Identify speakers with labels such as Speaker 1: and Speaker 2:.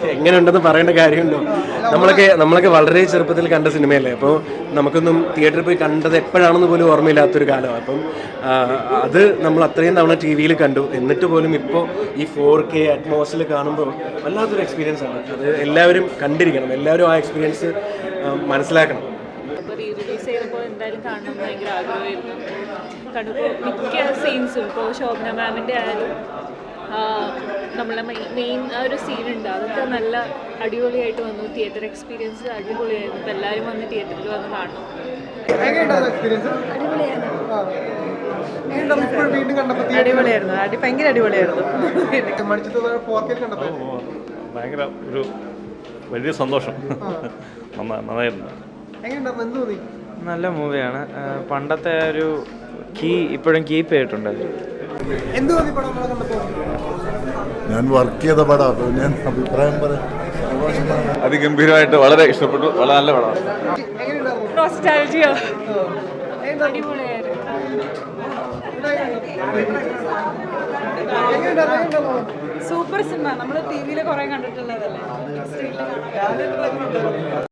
Speaker 1: എങ്ങനെയുണ്ടെന്ന് പറയേണ്ട കാര്യമുണ്ടോ? നമ്മളൊക്കെ വളരെ ചെറുപ്പത്തിൽ കണ്ട സിനിമയല്ലേ, അപ്പോൾ നമുക്കൊന്നും തിയേറ്ററിൽ പോയി കണ്ടത് എപ്പോഴാണെന്ന് പോലും ഓർമ്മയില്ലാത്തൊരു കാലമാണ്. അപ്പം അത് നമ്മൾ അത്രയും തവണ ടി വിയിൽ കണ്ടു, എന്നിട്ട് പോലും ഇപ്പോൾ ഈ 4K അറ്റ്മോസിൽ കാണുമ്പോൾ വല്ലാത്തൊരു എക്സ്പീരിയൻസ് ആണ്. അത് എല്ലാവരും കണ്ടിരിക്കണം, എല്ലാവരും ആ എക്സ്പീരിയൻസ് മനസ്സിലാക്കണം.
Speaker 2: ഇപ്പോൾ റിലീസ് ചെയ്തപ്പോൾ എന്തായാലും കാണണം ഭയങ്കര ആഗ്രഹമായിരുന്നു. കണ്ടപ്പോൾ മിക്ക സീൻസും ഇപ്പോൾ ശോഭന മാമിൻ്റെ ആയാലും നമ്മളെ മെയിൻ ആ ഒരു സീനുണ്ട്, അതൊക്കെ നല്ല അടിപൊളിയായിട്ട് വന്നു. തിയേറ്റർ എക്സ്പീരിയൻസ് അടിപൊളിയായിരുന്നു. ഇപ്പോൾ എല്ലാവരും വന്ന് തിയേറ്ററിൽ വന്ന് കാണണം.
Speaker 3: അടിപൊളിയായിരുന്നു, ഭയങ്കര അടിപൊളിയായിരുന്നു.
Speaker 4: ഭയങ്കര ഒരു വലിയ സന്തോഷം. നന്നായിരുന്നു.
Speaker 3: നല്ല മൂവിയാണ്. പണ്ടത്തെ ഒരു ഇപ്പോഴും കീപ്പ് ചെയ്തിട്ടുണ്ട്.
Speaker 5: ഞാൻ വർക്ക് ചെയ്ത പടം, അപ്പോൾ ഞാൻ അഭിപ്രായം പറയാം.
Speaker 4: അതിഗംഭീരമായിട്ട് വളരെ ഇഷ്ടപ്പെട്ടു. വളരെ നല്ല പടമാണ്.
Speaker 3: Super cinema. നമ്മൾ ടി വിയിൽ കുറെ കണ്ടിട്ടുള്ളതല്ലേ.